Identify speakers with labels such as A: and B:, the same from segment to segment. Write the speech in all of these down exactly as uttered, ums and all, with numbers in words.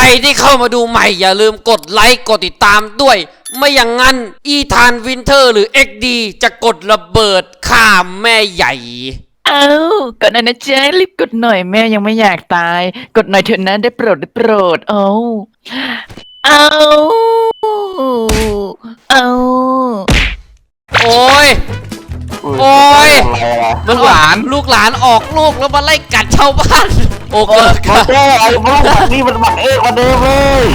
A: ที่เข้ามาดูใหม่อย่าลืมกดไลค์กดติดตามด้วยไม่อย่างนั้นอีธานวินเทอร์หรือ เอ็กซ์ ดี จะกดระเบิดฆ่าแม่ใหญ่
B: เอากดหน่อยนะจ๊ะรีบกดหน่อยแม่ยังไม่อยากตายกดหน่อยเถอะนะได้โปรดได้โปรดเอาเอาเอา
A: โอ้ยโอ้ยมันหลานลูกหลานออกลูกแล้วมาไล่กัดชาวบ้านโอ้เกิด
C: กันไอ้พวกแบบนี้มันหมักเอกกว่าเดิมเลย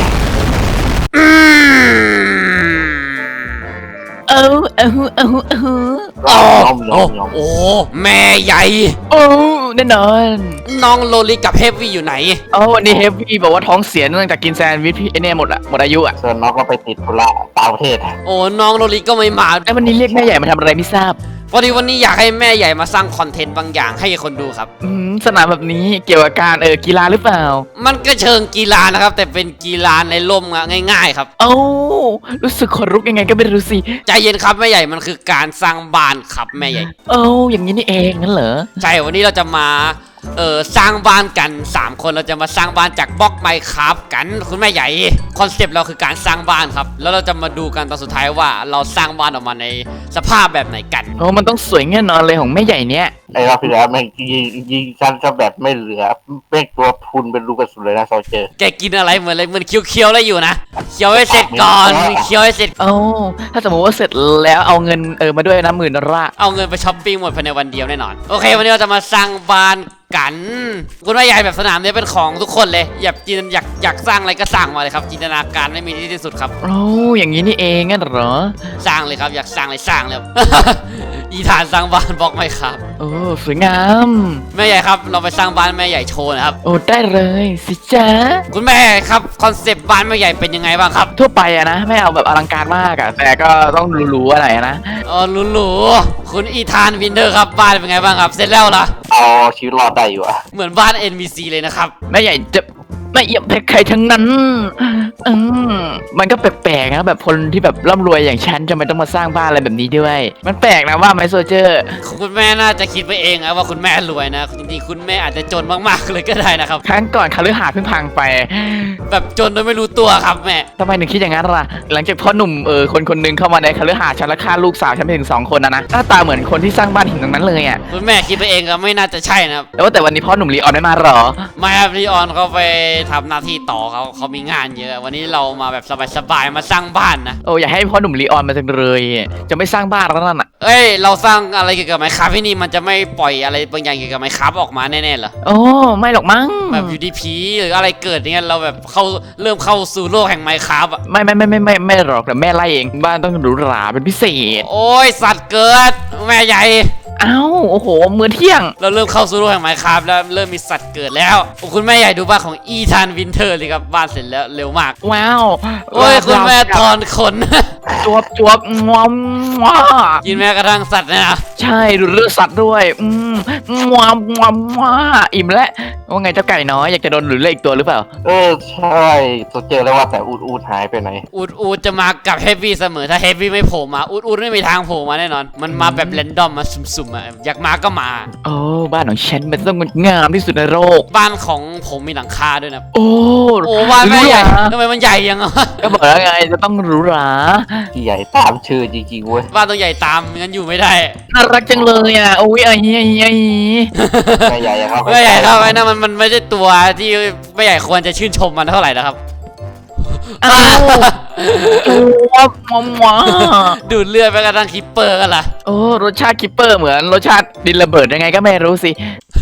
B: เอาเอาเอาเอา
A: โอ้โอ้แม่ใหญ่
B: โอ้แน่นอน
A: น้องโลลิกับเฮฟวี่อยู่ไหน
B: อ๋อวันนี้เฮฟวี่บอกว่าท้องเสียเนื่องจากกินแซนด์วิชพี่ไอเนี่ยหมดอะหมดอายุอะ
C: ส่วนน้องก็ไปติดธุระต่างประเทศ
A: โอ้น้องโลลิก็ไม่มา
B: ไอ้วันนี้เรียกแม่ใหญ่มาทำอะไรไม่ทราบ
A: พอดีวันนี้อยากให้แม่ใหญ่มาสร้างคอนเทนต์บางอย่างให้คนดูครับ
B: อืมสนามแบบนี้เกี่ยวกับการเออกีฬาหรือเปล่า
A: มันก็เชิงกีฬานะครับแต่เป็นกีฬาในร่มง่ายๆครับ
B: โอ้รู้สึกขนลุกยังไงก็ไม่รู้สิ
A: ใจเย็นครับแม่ใหญ่มันคือการสร้างบ้านครับแม่ใหญ่
B: โอ้อย่างนี้นี่เองงั้นเหรอ
A: ใช่วันนี้เราจะมาเออสร้างบ้านกันสามคนเราจะมาสร้างบ้านจากบล็อกไมค์ครับกันคุณแม่ใหญ่คอนเซปต์เราคือการสร้างบ้านครับแล้วเราจะมาดูกันตอนสุดท้ายว่าเราสร้างบ้านออกมาในสภาพแบบไหนกัน
B: โอ้มันต้องสวยแน่นอนเลยของแม่ใหญ่เนี้ย
C: ไอ้รอบที่แล้วแม่งยิงยิงกันก็แบบไม่เหลือแม่งตัวพุนเป็นลูกกระสุนเลยนะโซเจอร์
A: แกกินอะไรเหมือนอะไรเหมือนเคี้ยวๆอะไรอยู่นะเคี้ยวให้เสร็จก่อนเคี้ยวให้เสร็จ
B: โอ้ถ้าสมมติว่าเสร็จแล้วเอาเงินเออมาด้วยนะหมื่นละ
A: เอาเงินไปช้อปปิ้งหมดภายในวันเดียวแน่นอนโอเควันนี้เราจะมาสร้างบ้านกันคุณว่าใหญ่แบบสนามนี้เป็นของทุกคนเลยอยากจินอยากอยากสร้างอะไรก็สร้างมาเลยครับจินตนาการไม่มีที่สุดครับ
B: โอ้อย่างนี้นี่เองงั้นเหรอ
A: สร้างเลยครับอยากสร้างเลยสร้างเลย อีธานสร้างบ้านบล็อกไหมครับ
B: โอ้สวยงาม
A: แม่ใหญ่ครับเราไปสร้างบ้านแม่ใหญ่โชว์นะครับ
B: โอ้ได้เลยสิจ๊ะ
A: คุณแม่ครับคอนเซปต์บ้านแม่ใหญ่เป็นยังไงบ้างครับ
B: ทั่วไปอะนะไม่เอาแบบอลังการมากอะแต่ก็ต้องหรูๆอะไรนะ
A: อ๋อหรูๆคุณอีธานวินเทอร์ครับบ้านเป็นไงบ้างครับเสร็จแล้วเหรอ
C: เอาชีวิตรอดได้อยู่อะ
A: เหมือนบ้าน เอ็น พี ซี เลยนะครับ
B: แม่ใหญ่จะไม่เอี่ยมแพ้ใครทั้งนั้นอืมมันก็แปลกๆนะแบบคนที่แบบร่ำรวยอย่างฉันจะไม่ต้องมาสร้างบ้านอะไรแบบนี้ด้วยมันแปลกนะว่าไหมโซเจอร์
A: คุณแม่น่าจะคิดไปเองนะว่าคุณแม่รวยนะจริงๆคุณแม่อาจจะจนมากๆเลยก็ได้นะครับ
B: ครั้งก่อนคฤหาสน์เพิ่งพังไป
A: แบบจนโดยไม่รู้ตัวครับแม่
B: ทำไมถึงคิดอย่างนั้นล่ะหลังจากพ่อหนุ่มเออคนคนนึงเข้ามาในคฤหาสน์ฉันและฆ่าลูกสาวฉันไปถึงสองคนนะนะหน้าตาเหมือนคนที่สร้างบ้านหินตรงนั้นเลยอ่ะ
A: คุณแม่คิดไปเองก็ไม่น่าจะใช่นะครับ
B: แต่ว่าแต่วันนี้พ่อหนุ่มลีออนไม่มาหรอ
A: ไม่ครับลีออนเขาไปทำหน้าที่ต่อเขาเขามีงานเยอะวันนี้เรามาแบบสบายๆมาสร้างบ้านนะ
B: โอ้อยากให้พ่อหนุ่มลีออนมาจังเลยจะไม่สร้างบ้านแล้วนั่นอ่ะ
A: เอ้ยเราสร้างอะไรเกี่ยวกับไมค์ครับที่นี่มันจะไม่ปล่อยอะไรบางอย่างเกี่ยวกับไมค์ครับออกมาแน่ๆเหรอ
B: โอ้ไม่หรอกมั้ง
A: แบบยูดีพีหรืออะไรเกิดอย่างเงี้ยเราแบบเข้าเริ่มเข้าสู่โลกแห่งไมค์ครับอ่ะ
B: ไม่ไม่ไม่ไม่ไม่ไม่หรอกแต่แม่ไล่เองบ้านต้องหรูหราเป็นพิเศษ
A: โอ้ยสัตว์เกิดแม่ใหญ่
B: อ้าวโอ้โหมื้อเที่ยง
A: เราเริ่มเข้าสู่โลกแห่งไมค์ครับแล้วเริ่มมีสัตว์เกิดแล้วคุณแม่ใหญ่ดูบ้านของอีธานวินเทอร์เลยครับบ้านเสร็จแล้วเร็วมาก
B: ว้าว
A: โอ้ยคุณแม่ถอนขน
B: จวบจวบงอมว้า
A: กินแม้กระทั่งสัตว์นะ
B: ใช่ดูเลือดสัตว์ด้วยอืมงอมงอมว้าอิ่มแล้วว่าไงเจ้าไก่น้อยอยากจะโดนหรือเล่อีกตัวหรือเปล่า
C: เออใช่ตัวเจอแล้วว่าแต่อูดอูดหายไปไหน
A: อูดอูดจะมากับเฮฟวี่เสมอถ้าเฮฟวี่ไม่โผล่มาอูดอูดไม่มีทางโผล่มาแน่นอนมันมาแบบเรนดอมมาสุ่มๆอ่ะอยากมาก็มา
B: โอ้บ้านของฉันมันต้องงามที่สุดในโลก
A: บ้านของผมมีหลังคาด้วยนะ
B: โอ้
A: โอ้บ้านไม่ใหญ่ทำไมมันใหญ่ยังอ่ะ
B: ก็บอกแล้วไงจะต้องหรูหรา
C: ใหญ่ตามชื่อจริงๆเว้ย
A: บ้านต้องใหญ่ตามงั้นอยู่ไม่ได้
B: น่ารักจังเลยอ่ะโอ้ยไอ้ไอ้ไอ้
C: ไม่ใหญ่ครับ
A: ไม่ใหญ่ครับไอ้นั่นมันมันไม่ใช่ตัวที่ไม่ใหญ่ควรจะชื่นชมมันเท่าไหร่นะครับ
B: อ้าวตัวมอมว้า
A: ดูดเลือดไปกระทั่งคิปเปอร์กันล่ะ
B: โอ้รสชาติคิปเปอร์เหมือนรสชาติดินระเบิดยังไงก็ไม่รู้สิ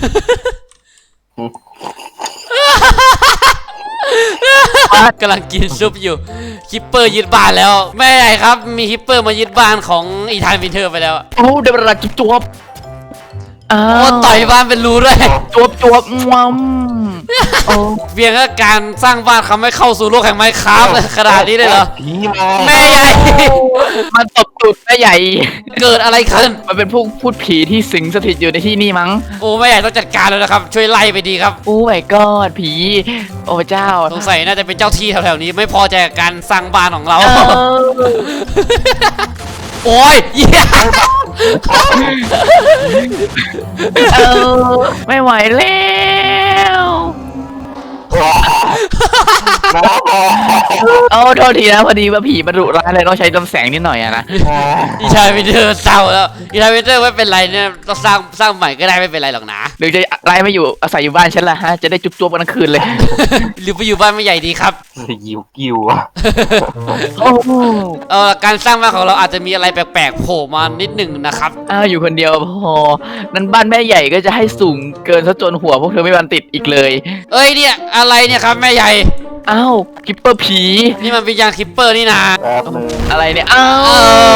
A: กำลังกินซุปอยู่คิปเปอร์ยึดบ้านแล้วแม่ใหญ่ครับมีคิปเปอร์มายึดบ้านของอีธานวินเทอร์ไปแล้ว
B: โอ้เดี๋ยวเราจุ๊บจ๊บ
A: โอ้ต่อยบ้านเป็นรูด้วย
B: จวบจวบงอม
A: เพียงแค่การสร้างบ้านเขาไม่เข้าสู่โลกแห่งไมค์ครับขนาดนี้เลยเหรอแม่ใหญ่
B: มันตบตูดแม่ใหญ่
A: เกิดอะไรขึ้น
B: มันเป็นพวกพูดผีที่สิงสถิตอยู่ในที่นี่มั้ง
A: โอ้แม่ใหญ่ต้องจัดการแล้วนะครับช่วยไล่ไปดีครับ
B: โอ้ my god ผีโอ้เจ้า
A: สงสัยน่าจะเป็นเจ้าที่แถวๆนี้ไม่พอใจกับการสร้างบ้านของเราโอ้ยเยี่ย
B: ไม่ไหวแล้ว
C: น้องบอก
B: โอ้โทษทีนะพอดีว่าผีมันดุร้ายเลยต้องใช้ลำแสงนิดหน่อยอะนะ
A: อีธานวินเทอร์เศร้าแล้วอีธานวินเทอร์ไม่เป็นไรเนี่ยต้องสร้างสร้างใหม่ก็ได้ไม่เป็นไรหรอกนะ
B: หรือจะไล่ไม่อยู่อาศัยอยู่บ้านฉันละฮะจะได้จุ๊บๆกันทั้งคืนเลย
A: หรือไปอยู่บ้านไม่ใหญ่ดีครับ
C: ยิวกิวอะ
B: โอ้โห
A: เออการสร้างบ้านของเราอาจจะมีอะไรแปลกๆโผล่มานิดหนึ่งนะครับ
B: อ้าวอยู่คนเดียวพอนั้นบ้านแม่ใหญ่ก็จะให้สูงเกินซะจนหัวพวกเธอไม่บันติดอีกเลย
A: เอ้ยเนี่ยอะไรเนี่ยครับแม่ใหญ่
B: อ้าวกิปเปอร์ผี
A: นี่มันวิญญาณคิปเปอร์นี่นะ
C: แป๊บนึง
B: อะไรเนี่ยอ้า
A: โอ้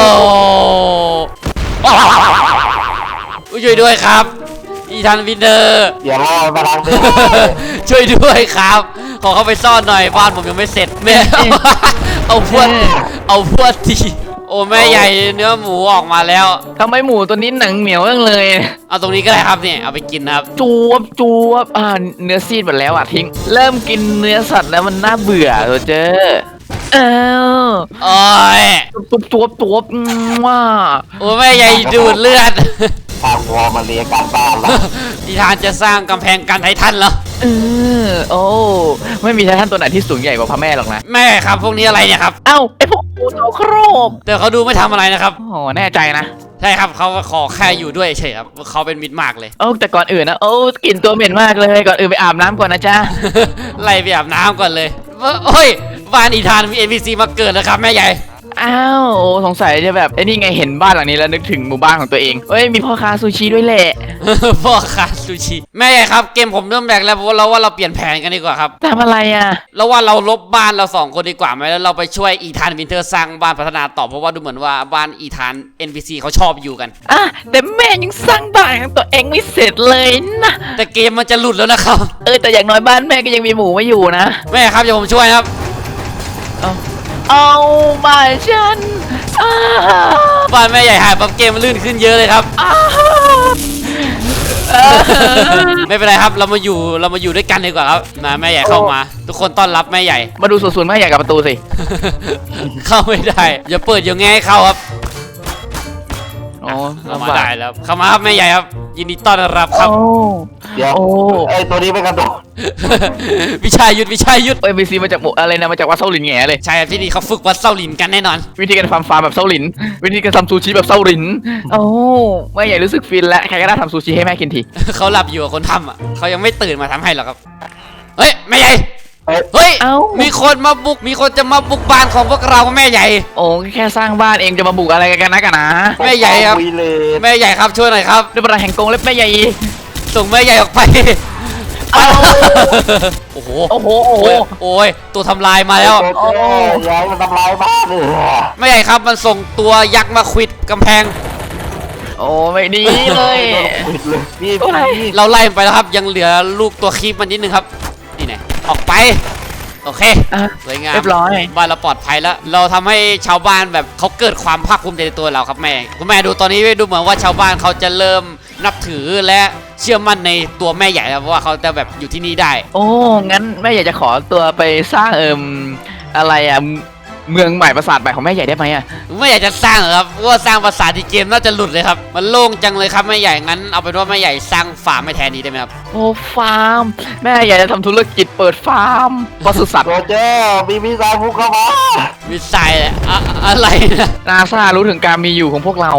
B: ว
A: ช่วยด้วยครับอีธานวินเทอร์
C: อย่าล่อมาทางนี้
A: ช่วยด้วยครับ ขอเข้าไปซ่อนหน่อยบ้านผมยังไม่เสร็จแม่ เอาพวดเอาพวดทีโอ้แม่ใหญ่เนื้อหมูออกมาแล้ว
B: ทำไมหมูตัวนี้หนังเหนียวจังเลย
A: เอาตรงนี้ก็ได้ครับเนี่ยเอาไปกินนะครับ
B: จวบจวบอ่าเนื้อซีดหมดแล้วอ่ะทิ้ง เริ่มกินเนื้อสัตว์แล้วมันน่าเบื่อตัวเจออ้าว
A: โอ้ย
B: จวบจวบจวบอืมว่า
A: โอ้แม่ใหญ่ดูดเลือด
C: ทางวอมาเรียการบ้านแล้ว
A: อีธานจะสร้างกำแพงกันไททันเหรอ
B: เออโอ้ไม่มีท่านตัวไหนที่สูงใหญ่กว่าพระแม่หรอกนะ
A: แม่ครับพวกนี้อะไรเนี่ยครับ
B: เอ้าไอพวกงูตัวโครบ
A: แต่เขาดูไม่ทำอะไรนะครับ
B: โอ้โหแน่ใจนะ
A: ใช่ครับเขาขอแค่อยู่ด้วยเฉยครับเขาเป็นมิตรมากเลย
B: โอ้แต่ก่อนอื่นนะโอ้กลิ่นตัวเหม็นมากเลยก่อนอื่นไปอาบน้ำก่อนนะจ๊ะ
A: ไล่ไปอาบน้ำก่อนเลยเฮ้ยบ้านอีธานมี เอ็น พี ซี มาเกิดแล้วครับแม่ใหญ่
B: อ้าวโอ้สงสัยจะแบบไอ้นี่ไงเห็นบ้านหลังนี้แล้วนึกถึงหมู่บ้านของตัวเองเฮ้ยมีพ่อค้าซูชิด้วยแหละ
A: พ่อค้าซูชิแม่ใหญ่ครับเกมผมเริ่มแบกแล้วเพราะว่าเราว่าเราเปลี่ยนแผนกันดีกว่าครับ
B: ทำอะไรอ่ะ
A: เราว่าเราลบบ้านเราสองคนดีกว่าไหมแล้วเราไปช่วยอีธานวินเทอร์สร้างบ้านพัฒนาต่อเพราะว่าดูเหมือนว่าบ้านอีธาน เอ็น พี ซี เขาชอบอยู่กัน
B: อ่ะแต่แม่ยังสร้างบ้านของตัวเองไม่เสร็จเลยนะ
A: แต่เกมมันจะหลุดแล้วนะครับ
B: เออแต่อย่างน้อยบ้านแม่ก็ยังมีหมูไว้อยู่นะ
A: แม่ครับเดี๋ยวผมช่วยนะครับ
B: เอาบ้านฉันอ้า
A: บ้านแม่ใหญ่หายปั๊บเกมมันลื่นขึ้นเยอะเลยครับ
B: อ้าเออ
A: ไม่เป็นไรครับเรามาอยู่เรามาอยู่ด้วยกันดีกว่าครับมาแม่ใหญ่เข้ามา ทุกคนต้อนรับแม่ใหญ่
B: มาดูส่วนๆแม่ใหญ่กับประตูสิ
A: เข้าไม่ได้อย่าเปิดอย่าแง่ให้เข้าครับ
B: โอ้
A: เข้า
B: ลำ
A: มา
B: บาก
A: ได้แล้วเข้ามาครับแม่ใหญ่ครับ ยินดีต้อนรับครับ
B: โอ้
C: เดี๋ยว
B: โอ้
C: ไอ้ตัวนี้ไม่กระโดด
A: วิชัยยุทธวิชัยยุทธ
B: เอ้ยบีซีมาจากหมู่อะไรนะมาจากวัดเซาหลินแง่เลย
A: ใช่ครับที่นี่เขาฝึกวัดเส้าหลินกันแน่นอน
B: วิธีการฟาร์มฟาร์มแบบเซาหลิน วิธีการทำซูชิแบบเซาหลิน โอ้แม่ใหญ่รู้สึกฟินแล้วใครก็ได้ทำซูชิให้แม่กินที
A: เขาหลับอยู่กับคนทำอ่ะเขายังไม่ตื่นมาทำให้หรอกครับเฮ้ยแม่ใหญ่
C: เอ้ย
A: เฮ้ย
B: เอ้า
A: มีคนมาบุกมีคนจะมาบุกบ้านของพวกเราแม่ใหญ่
B: โอ้แค่สร้างบ้านเองจะมาบุกอะไรกันนะกันนะ
A: แม่ใหญ่ครับ
C: วีเลน
A: แม่ใหญ่ครับช่วยหน่อยครับ
B: ด้วยพลังแห่งกงเล็บแม่ใหญ่
A: ส่งแม่ใหญ่ออกไป
B: เอ้า
A: โอ้โห
B: โอ้โหโอ้โห
A: โอ้ยโอ้ยตัวทำลายมาแล้ว
C: โอ้ยย้ายมันทำลายบ้านเลย
A: แม่ใหญ่ครับมันส่งตัวยักษ์มาควิดกำแพง
B: โอ้ไม่ดีเลย
C: ปิดเลยนี่
B: โอ้ย
C: นี่
A: เราไล่มันไปแล้วครับยังเหลือลูกตัวคีบมันนิดนึงครับนี่ไงออกไปโอเค
B: อ่ะ
A: สวยงาม
B: เรียบร้อย
A: บ้านเราปลอดภัยแล้ว เราทำให้ชาวบ้านแบบเขาเกิดความภาคภูมิใจในตัวเราครับแม่คุณแม่ดูตอนนี้ดูเหมือนว่าชาวบ้านเขาจะเริ่มนับถือและเชื่อมั่นในตัวแม่ใหญ่แล้วเพราะว่าเขาจะแบบอยู่ที่นี่ได้
B: โอ้งั้นแม่ใหญ่จะขอตัวไปสร้างเอิมอะไรอ่ะเมืองใหม่ปราสาทใหม่ของแม่ใหญ่ได้ไหมอ่ะ
A: ไม่อยากจะสร้างหรอกครับเพราะว่าสร้างภาษาที่เกมน่าจะหลุดเลยครับมันโล่งจังเลยครับแม่ใหญ่งั้นเอาเป็นว่าแม่ใหญ่สร้างฟาร์มให้แทนนี้ได้ไหมครับ
B: โอ้ฟาร์มแม่ใหญ่จะทำธุรกิจเปิดฟาร์มปศุสัตว์
C: โรเจอร์มีมิสไซล์พุ่งเข้ามา
A: วิสัยอะอะไรนะ
B: นาซารู้ถึงการมีอยู่ของพวกเรา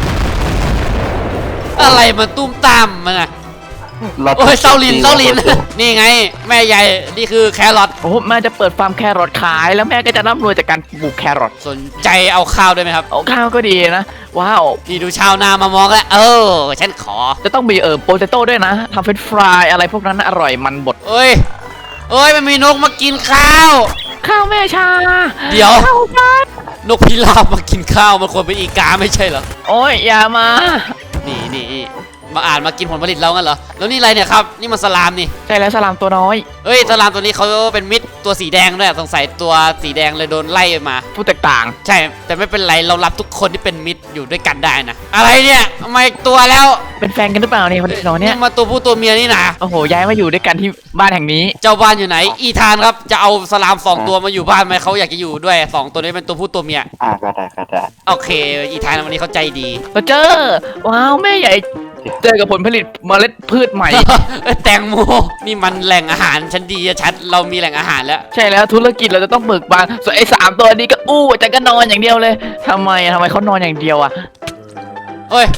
A: อะไรมันตุ้มตามมันอะโอ้ยเซาลินเซาลิน นี่ไง แม่ใหญ่นี่คือแครอท
B: โอ้แม่จะเปิดฟาร์มแครอทขายแล้วแม่ก็จะร่ำรวยจากการปลูกแครอท
A: สนใจเอาข้าวด้วยไหมครับ
B: โอ้ข้าวก็ดีนะ ว้าว
A: นี่ดูชาวนามามองแล้วเออฉันขอ
B: จะต้องมีเออโปเตโต้ด้วยนะทำเฟรนช์ฟรายอะไรพวกนั้นนะอร่อยมันบด
A: เอ้ยเอ้ยมันมีนกมากินข้าว
B: ข้าวแม่ชา
A: เดี๋ยว
B: ข้าวบ้าน
A: นกพิราบมากินข้าวมันควรเป็นอีกาไม่ใช่เหรอ
B: โอ้ยอย่ามา
A: นี่นี่มาอ่านมากินผลผลิตเรางั้นเหรอแล้วนี่อะไรเนี่ยครับนี่มันสลามนี่
B: ใช่แล้วสลามตัวน้อย
A: เฮ้ยสลามตัวนี้เขาเป็นมิตรตัวสีแดงด้วยสงสัยตัวสีแดงเลยโดนไล่มา
B: ผู้แตกต่าง
A: ใช่แต่ไม่เป็นไรเรารับทุกคนที่เป็นมิตรอยู่ด้วยกันได้นะอะไรเนี่ยทำไมตัวแล้ว
B: เป็นแฟนกันหรือเปล่าเนี่ยคนน้อยเนี่ย
A: มาตัวผู้ตัวเมียนี่นะ
B: โอ้โหย้ายมาอยู่ด้วยกันที่บ้านแห่งนี้
A: เจ้าบ้านอยู่ไหน อีธานครับจะเอาสลามสองตัวมาอยู่บ้านไหมเขาอยากจะอยู่ด้วยสองตัวนี้เป็นตัวผู้ตัวเมีย
C: อ่าก็ได้ก็ได้
A: โอเค อีธานวันนี้เขาใจดี
B: เราเจอว้าวแม่ใหญ่เจอกับผลผลิตเมล็ดพืชใหม่
A: เอ้ยแตงโมนี่มันแหล่งอาหารชั้นดีอะชัดเรามีแหล่งอาหารแล้ว
B: ใช่แล้วธุรกิจเราจะต้องเบิกบานส่วนไอ้สามตัวนี้ก็อู้แต่ก็นอนอย่างเดียวเลยทำไมอะทำไมเขานอนอย่างเดียวอะ
A: เอ้ย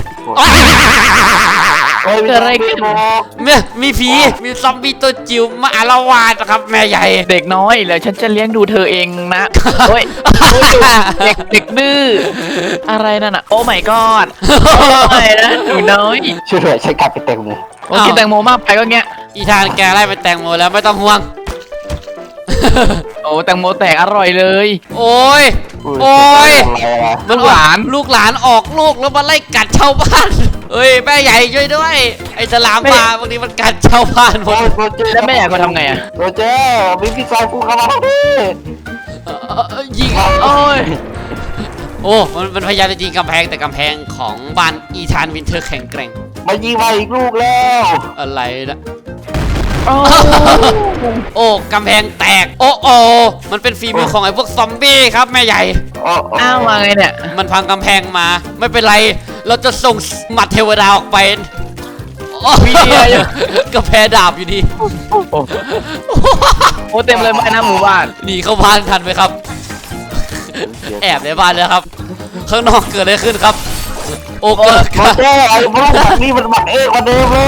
C: เฮ้ย
B: เกิดอะไรขึ้น
A: เนี่ยมีผีมีซอมบี้ตัวจิ๋วมาอาละวาดนะครับแม่ใหญ่
B: เด็กน้อยเดี๋ยวฉันจะเลี้ยงดูเธอเองนะโอ้ยเด็กเด็กดื้ออะไรนั่นอะโอ้ my god ไม่นะหนูน้อย
C: ช่วยด้วยใช้กลับไปแตงโม
B: โอ้กินแตงโมมากไปก็เงี้ย
A: อีธานแกไล่ไปแตงโมแล้วไม่ต้องห่วง
B: โอ้แตงโมแตกอร่อยเลย
A: โอ้ย โอ้ย
C: อะไรอะ
B: ลูกหลาน
A: ลูกหลานออกลูกแล้วมาไล่กัดชาวบ้านเอ้ยแม่ใหญ่ช่วยด้วย ไอ้สลามป่าบางทีมันกัดชาวบ้านหม
C: โอ้
A: ด
C: ยโรเจอร์
B: แล้วแม่อยากเขาทำไงอะ
C: โรเจอร์มีพี่ชายกูเข้ามาแล้วพี่
A: เอ่อเอ่อยิง
B: โอ้ย
A: โอ้มันมันพยายามจะยิงกำแพงแต่กำแพงของบ้านอีธานวินเทอร์แข็งแกร่ง
C: มายิงมาอีกลูกแล้ว
A: อะไรนะ
B: โอ้
A: โอ้กำแพงแตก โอ้โอ้มันเป็นฝีมือของไอ้พวกซอมบี้ครับแม่ใหญ่
C: โอ้โอ้
B: อ้าวมาไงเนี่ย
A: มันพังกำแพงมา ไม่เป็นไร เราจะส่งหมัดเทวดาออกไปโอ้
B: มีเดียอยู่
A: กำแพงดาบอยู่ดี
B: โอ้เต็มเลยบ้านหน้าหมู่บ้าน
A: หนีเข้าบ้านทันไหมครับ แอบในบ้านเลยครับ ข้างนอกเกิดอะไรขึ้นครับ โอ้เกิด
C: โรเจอร์ไอ้พวกแบบนี้มันหมักเอกกว่าเดิมเลย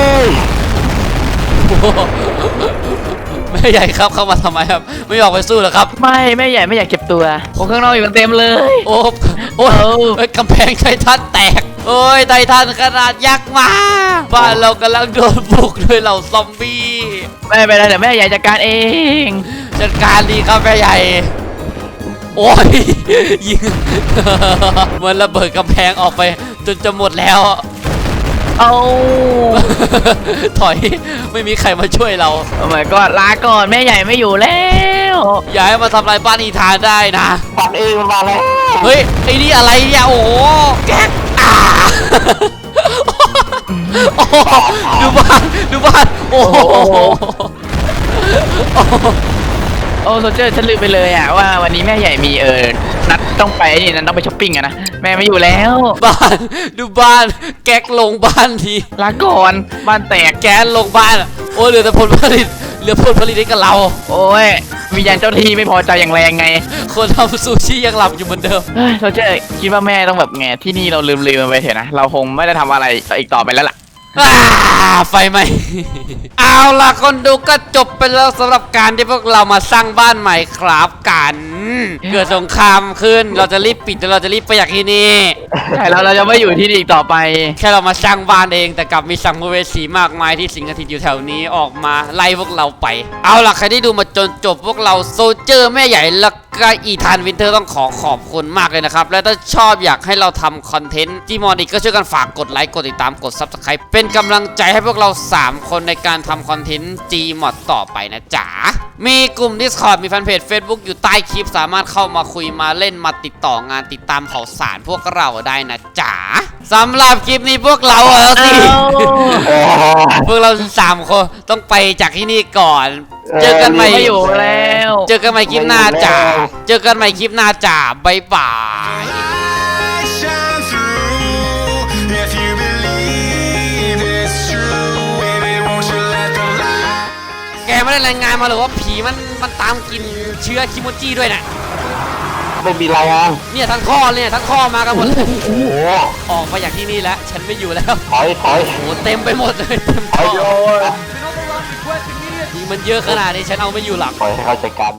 A: แม่ใหญ่ครับเข้ามาทำไมครับ ไม่ออกไปสู้เหรอครับ
B: ไม่แม่ใหญ่ไม่อยากเก็บตัวโอ้ข้างนอกอยู่กันเต็มเลย
A: โอ้โอ้ย
B: เอ้า
A: เอ้ยกำแพงไททันแตก โอ้ยไททันขนาดยักษ์มา บ้านเรากำลังโดนบุกด้วยเหล่าซอมบี้
B: ไม่เป็นไรเดี๋ยวแม่ใหญ่จัดการเอง
A: จัดการดีครับแม่ใหญ่ โอ้ย ยิง เหมือนระเบิดกำแพงออกไปจนจะหมดแล้ว
B: เอา
A: ถอยไม่มีใครมาช่วยเรา
B: โอ้ my god ลาก่อนแม่ใหญ่ไม่อยู่แล้ว
A: อย่าให้มาทำลายบ้านอีธานได้นะ
C: ปักเองมันมาแล้ว
A: เฮ้ย ไอ้นี่อะไรเนี่ย โอ้โหแก๊กอ่าโอ้โหดูบ้าน ดูบ้าน โอ้โห
B: โอ้โซเจอร์ฉันลืมไปเลยอะว่าวันนี้แม่ใหญ่มีเออนัดต้องไปนี่นัดต้องไปช้อปปิ้งอะนะแม่ไม่อยู่แล้ว
A: บ้าน ดูบ้าน แก๊กลงบ้านที
B: ลาก่อนบ้านแตก
A: แก๊สลงบ้าน โอ้ยเหลือแต่ผลผลิต เหลือผลผลิตให้กับเรา
B: โอ้ยวิญญาณเจ้าที่ไม่พอใจอย่างแรงไง
A: คนทำซูชิยังหลับอยู่เหมือนเดิม
B: เฮ้ยโซเจอร์คิดว่าแม่ต้องแบบไงที่นี่เราลืมลืมมันไปเถอะนะเราคงไม่ได้ทำอะไรอีกต่อไปแล้วล่ะ
A: อ่าไฟไหม เอาล่ะคนดูก็จบไปแล้วสำหรับการที่พวกเรามาสร้างบ้านใหม่ครับกัน เกิดสงครามขึ้น เราจะรีบปิดแล้วเราจะรีบไปจากที่นี่
B: ใช่แล้วเราจะไม่อยู่ที่นี่อีกต่อไป
A: แค่เรามาสร้างบ้านเองแต่กลับมีสัมภเวสีมากมายที่สิงสถิตอยู่แถวนี้ออกมาไล่พวกเราไป เอาล่ะใครที่ดูมาจนจบพวกเราโซเจอร์แม่ใหญ่แล้วก็อีธานวินเทอร์ต้องขอขอบคุณมากเลยนะครับ และถ้าชอบอยากให้เราทำคอนเทนต์ที่มอดิกก็ช่วยกันฝากกดไลค์กดติดตามกด ซับสไครบ์ เป็นกำลังใจให้พวกเราสามคนในการทำคอนเทนต์ Gmod ต่อไปนะจ๊ะมีกลุ่ม Discord มีแฟนเพจ Facebook อยู่ใต้คลิปสามารถเข้ามาคุยมาเล่นมาติดต่องานติดตามข่าวสารพวกเราได้นะจ๊ะสำหรับคลิปนี้พวกเราเออสิ
C: เออ
A: พวกเราสามคนต้องไปจากที่นี่ก่อน เจอกันใหม่
B: ไม่อยู่แล้ว
A: เจอกันใหม่คลิปหน้าจ้าเจอกันใหม่คลิปหน้าจ้าบ๊ายบาย
D: shine through. If you believe it's true, baby, won't you let the light
A: แกไม่ได้รายงานมาหรือว่าผีมันมันตามกินเชื้อคิโมจิด้วยนะ
C: ไม่มีรายงาน
A: เนี่ยทั้งข้อเนี่ยทั้งข้อมากันหมดเลย
C: โอ้โห
A: ออกมาจากที่นี่แล้ว ฉันไม่อยู่แล้ว
C: ถอยถอย
A: โอ้โหเต็มไปหมดเลยเต็ม
C: ถอย
A: ข้อ
C: โยน
A: ยิงมันเยอะขนาดนี้ฉันเอาไม่อยู่หลัก
C: ปล่อยให้เขาจัดการ